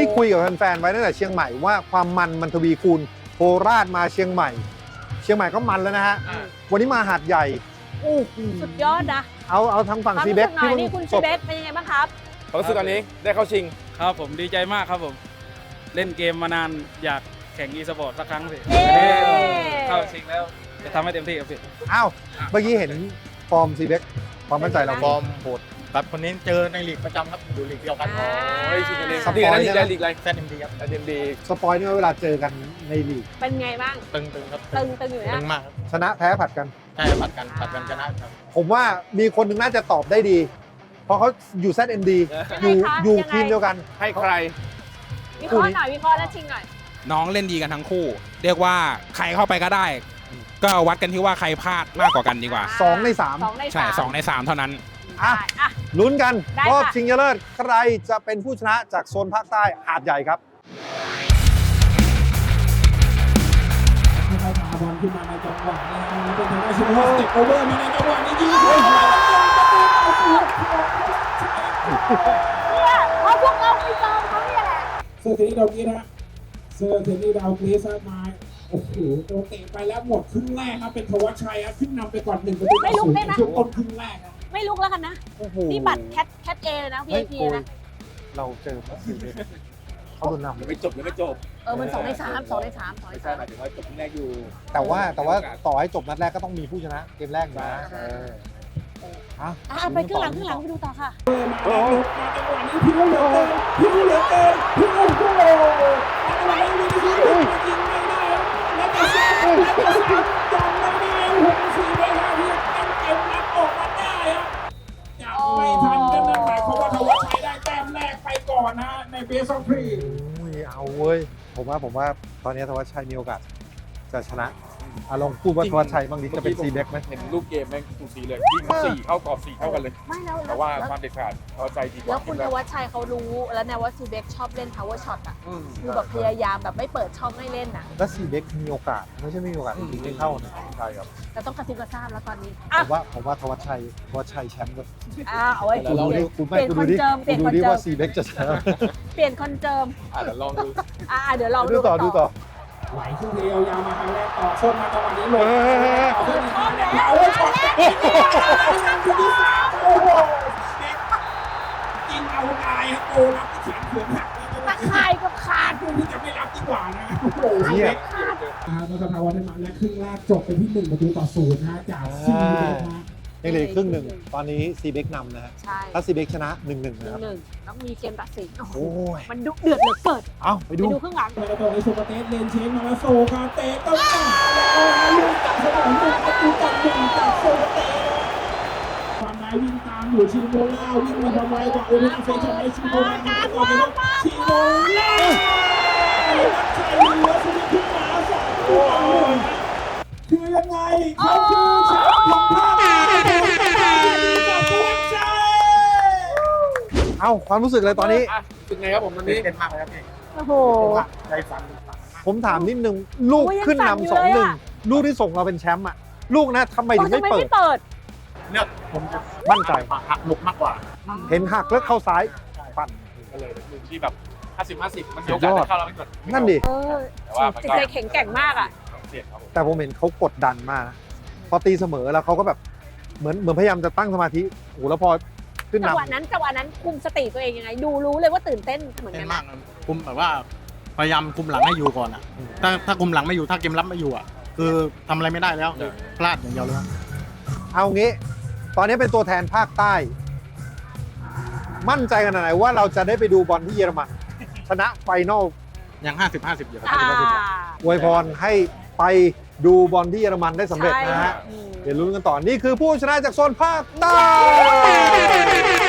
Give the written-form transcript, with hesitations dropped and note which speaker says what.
Speaker 1: คุยกับแฟนๆไว้ตั้งแต่เชียงใหม่ว่าความมันทวีคูณโคราชมาเชียงใหม่ เชียงใหม่ก็มันแล้วนะฮะวันนี้มาหาดใหญ่โอ้โห
Speaker 2: สุดยอดนะ
Speaker 1: เอาทางฝั่ง
Speaker 2: ความ
Speaker 1: ซี
Speaker 2: รู้
Speaker 1: เบ
Speaker 2: สึ
Speaker 1: ก
Speaker 2: กหน่อยนี่คุณซีเบกเป็นยังไงบ้างครับ
Speaker 3: ความรู้สึกตอนนี้ได้เข้าชิง
Speaker 4: ครับผมดีใจมากครับผม เล่นเกมมานานอยากแข่งอีสปอร์ตสักครั้งสิ
Speaker 2: เย้
Speaker 4: เข้าชิงแล้วจะทำให้เต็มที่ครับพี่
Speaker 1: อ้าวเมื่อกี้เห็นฟอร์มซีเบกความมั่นใจเรา
Speaker 5: ฟอร์มโหดครับคนนี้เจอในลีกประจำครับอยู่ลีกเดียวกัน
Speaker 3: เฮ้ยชิงกันเอง
Speaker 1: สปอยล์
Speaker 3: ลีก
Speaker 1: ใช่ไหม
Speaker 3: อะไรลีกอะไร
Speaker 5: แซนเอ็มดีครับ
Speaker 3: เอ็มดี
Speaker 1: สปอยนี่ว่าเวลาเจอกันในลีก
Speaker 2: เป็นไงบ้าง
Speaker 5: ตึงครับ
Speaker 2: ตึงอยู่
Speaker 5: ตึ
Speaker 2: นะ
Speaker 5: งมากครับ
Speaker 1: ชนะแพ้ผัดกัน
Speaker 5: ใช่ผัดกันชนะครับ
Speaker 1: ผมว่ามีคนหนึ่งน่าจะตอบได้ดี เพราะเขาอยู่ ZMD อยู่ทีมเดียวกัน
Speaker 3: ให้ใคร
Speaker 2: วิเคราะห์หน่อยวิเคราะห์แล้วชิงหน่อย
Speaker 6: น้องเล่นดีกันทั้งคู่ เรียกว่าใครเข้าไปก็ได้ ก็วัดกันที่ว่าใครพลาดมากกว่ากันดีกว่า
Speaker 1: 2 ใน
Speaker 2: 2 ใน 3
Speaker 6: ใช่2 ใน 3 เท่านั้น
Speaker 1: อ่ะ
Speaker 2: อ่ะ
Speaker 1: 3 ลุ้นกัน
Speaker 2: ได้
Speaker 1: รอบ
Speaker 2: ค่ะ
Speaker 1: ชิงชนะเลิศใครจะเป็นผู้ชนะจากโซนภาคใต้หาดใหญ่ครับ
Speaker 7: ค่อยๆพาบอลขึ้นมาในจังหวะนะฮะแล้วเป็นทางด้านชิโร่สเต็ปโอเวอร์มาในจังหวะนี้ยิงเข้าไป
Speaker 2: เนี่ยเพราะพวกเราไปเจอเขาเนี่ยแหละ
Speaker 7: เซอร์เทนี่ดาวกรีซฮะเซอร์เทนี่ดาวกรีซมาโอ้โหโดนเตะไปแล้วหมดครึ่งแรกครับเป็นธวัชชัยครับขึ้นนำไปก่อน1-0ในช่วงต้นครึ่งแรกครับ
Speaker 2: ไม่ลุกแล้วกันนะ
Speaker 1: โอ้โห
Speaker 2: นี่บัตรแคทเอเลยนะ
Speaker 1: เฮ้ย
Speaker 2: VIP
Speaker 1: โอ้ย
Speaker 2: นะ
Speaker 1: เราเจอพัสซีเบกเขาโดนนำ
Speaker 3: ยังไม่จบ
Speaker 2: มัน2 ใน 3 2 ใน 3 2 ใน
Speaker 3: ไม่ใช่หมายถึงว่าจบแรกอยู่
Speaker 1: แต่ว่าต่อให้จบนัดแรกก็ต้องมีผู้ชนะเกมแรกนะอ่ะ
Speaker 2: 3ไปครึ่งหลังไปดูต่อค่ะ
Speaker 7: มาจังหวะนี้พิ้วเหลือเกินพิ้วเหลือเกินพิ้วโอ้โหจังหวะนี้วินิจฉัยยิงไม่ได้แล้วจะซ้ำยังไม่ได้6-4ไปหาที่เต็มนัดออกมาได้ครับจะไม่ทันกันนั่นหมายความว่าธวัชชัยได้แต้มแรกไปก่อนนะในเบสออฟพรี
Speaker 1: โอ้ยเอาเว้ยผมว่าตอนนี้ธวัชชัยมีโอกาสจะชนะลองพูดว่าธวัชชัยบางทีจะเป็นซีเบกไหม
Speaker 3: เห็นลูกเกมแม่งสูสีเลยยิง4เข้ากรอบ4เท่ากันเลย
Speaker 2: ไม่แล้ว
Speaker 3: แต่ว่าความเด็ดขาดเขาใจดีก
Speaker 2: แล้
Speaker 3: ว่าว
Speaker 2: คุณนวัชชัยเขารู้แล้วนวัชซีเบกชอบเล่น power shot อ่ะคือแบบพยายามแบบไม่เปิดช่องให้เล่นน่ะ
Speaker 1: แล้วซีเบกมีโอกาสไม่ใช่ไม่มีโอกาสจริงๆไม่เข้านะใช่ครับ
Speaker 2: แต่ต้องกระซิบกระซาบแล้วตอนนี้
Speaker 1: ผมว่าธวัชชัยแชมป์ก็
Speaker 2: เอาไว้
Speaker 1: คุณดูดิคุณ
Speaker 2: เปลี่ยน
Speaker 1: คุณ
Speaker 2: ค
Speaker 1: ดู
Speaker 2: น
Speaker 1: ดิ
Speaker 2: เจิมเปลี่ยน
Speaker 1: ดู
Speaker 2: คน
Speaker 1: ดิ
Speaker 2: เจิ
Speaker 1: ว่าม ซีเบกจะชนะ
Speaker 2: เปลี่ยนคนเจิม
Speaker 3: เดี๋ยวลองดู
Speaker 2: เดี๋ยวลอง
Speaker 1: ดูต่อ
Speaker 7: ไหลขึ้นเรียวยาวมาครั้งแรกต่อส้นมาจังหวะนี้เลยต่อขึ้นมาเอาไว้ช็อตทีที่3โอ้โหกินเอาตายครับโอ้รับที่แขนเขือนหัก
Speaker 2: ตะข่ายกับขาด
Speaker 7: พวกนี้จะไม่รับดีกว่านะโอ้โห
Speaker 1: เนี่ย
Speaker 7: นครพนมและครึ่งแรกจบไปที่1-0นะจากซีเบกนะ
Speaker 1: ยังเหลือครึ่งหนึ่งตอนนี้ซีเบกนำนะฮะ
Speaker 2: ใช่
Speaker 1: ถ้าซีเบกชนะ 1-1 นะครับ
Speaker 2: 1-1ต้องมีเกมตัดสินโอ้โห
Speaker 1: โอ้ย
Speaker 2: มันดุเดือดเหลือเกิน
Speaker 1: เอาไป
Speaker 2: ไป
Speaker 1: ดู
Speaker 2: ดูครึ่งหลัง
Speaker 7: แล้วตอนนี้โซกาเตสเลนเชนมาแล้วโซกาเตสต้องจ่ายแล้วลูกจากสนามลูกประตูต่อ1จากโซกาเตสความนายวิ่งตามอยู่ชิโมล่าวิ่งมาทำไมกว่าโอลิมเฟชั่นไอชิโมล่าก่อนเลยครับชิโมล่ารักใจเหลือสุดขึ้นมา2ตัวคือยังไงเขาคือแชมป์ของภาคจากตัวใจ
Speaker 1: เอาความรู้สึกเลยตอนนี้
Speaker 3: เป็นไงครับผมตอนนี้
Speaker 5: เป็นมากเลยครับพี่
Speaker 2: โอ้โห
Speaker 5: ใจฝัน
Speaker 1: ผมถามนิดนึง ลูก
Speaker 2: โอ้ยยัง
Speaker 1: ขึ้น
Speaker 2: สั่นอยู่
Speaker 1: นำ
Speaker 2: เลยอะ
Speaker 1: 2-1 ลูกที่ส่งเราเป็นแชมป์อ่ะ ลูกนะทำไมถึง
Speaker 2: ทำไม
Speaker 1: ไม่เปิ
Speaker 2: ไม่
Speaker 1: ด
Speaker 2: เปิด
Speaker 5: เลือกผมจะ
Speaker 1: มั่นใจ
Speaker 5: หักหลบมากกว่า
Speaker 1: เห็นหักแล้วเข้าซ้ายปั่น
Speaker 3: ก็เลยมุมที่แบบ50-50มันมีโอกาสจะเข้าแล้วไม่กด
Speaker 1: นั่นดิ
Speaker 2: เออ
Speaker 3: แต่ว่ามัน
Speaker 2: จิต
Speaker 3: ก็
Speaker 2: ใจแข็งแกร่งมากอ่ะ
Speaker 3: เสี่ยงครับผม
Speaker 1: แต่ผมเห็นเขากดดันมากนะพอตีเสมอแล้วเขาก็แบบเหมือนพยายามจะตั้งสมาธิโอ้โหแล้วพอขึ้น
Speaker 2: จัง
Speaker 1: นำ
Speaker 2: หวะนั้นคุมสติตัวเองยังไง ดูรู้เลยว่าตื่นเต้นเหมือน
Speaker 5: เป็
Speaker 2: กัน น
Speaker 5: มา
Speaker 2: นะ
Speaker 5: กคุมแบบว่าพยายามคุมหลังให้อยู่ก่อนอ่ะถ้าคุมหลังไม่อยู่ถ้าเกมรับไม่อยู่อ่ะคือทำอะไรไม่ได้แล้วพลาดอย่างเดียวเลย
Speaker 1: เอางี้ ตอนนี้เป็นตัวแทนภาคใต้ มั่นใจขนาดไหนว่าเราจะได้ไปดูบอลที่เยอรมันชนะไฟนอล
Speaker 5: ยัง50-50อยู่ครับ
Speaker 1: อวยพรให้ไปดูบอลที่เยอรมันได้สำเร็จนะฮะ
Speaker 2: ใช่
Speaker 1: เดี๋ยวลุ้นกันต่อ นี่คือผู้ชนะจากโซนภาคใต้